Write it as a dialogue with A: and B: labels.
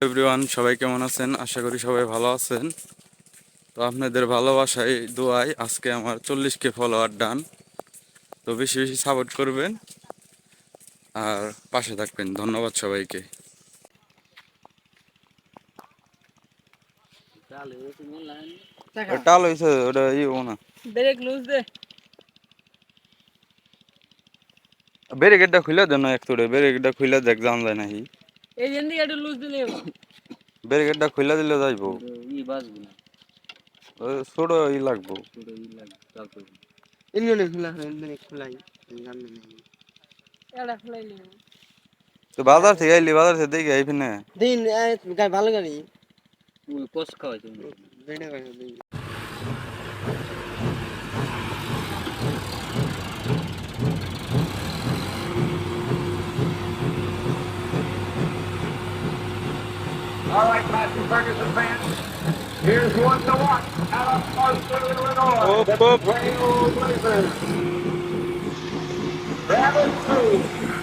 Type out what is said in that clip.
A: Everyone, সবাই কেমন আছেন? আশা করি সবাই ভালো আছেন। তো আপনাদের ভালোবাসায় দোয়ায় আজকে আমার 40K ফলোয়ার ডান। তো বেশি বেশি সাপোর্ট করবেন আর পাশে থাকবেন। ধন্যবাদ সবাইকে। টাল হয়েছে ওটা না ব্যারিকেডটা খুলে দেন না, একটু ব্যারিকেডটা খুলে দেখ জান যায় নাকি। ব্যারিকেডটা খুলে দিলে যাইবো, ছোট লাগবো। তো বাজার থেকে আইলি, বাজার থেকে দেখে আইবি না
B: দিন ভালো গাড়ি
C: কোষ খাওয়াই
D: All right, Matthew Ferguson fans, here's one to watch out of Marshall, Illinois. The Trail Blazers. Travis Cruz.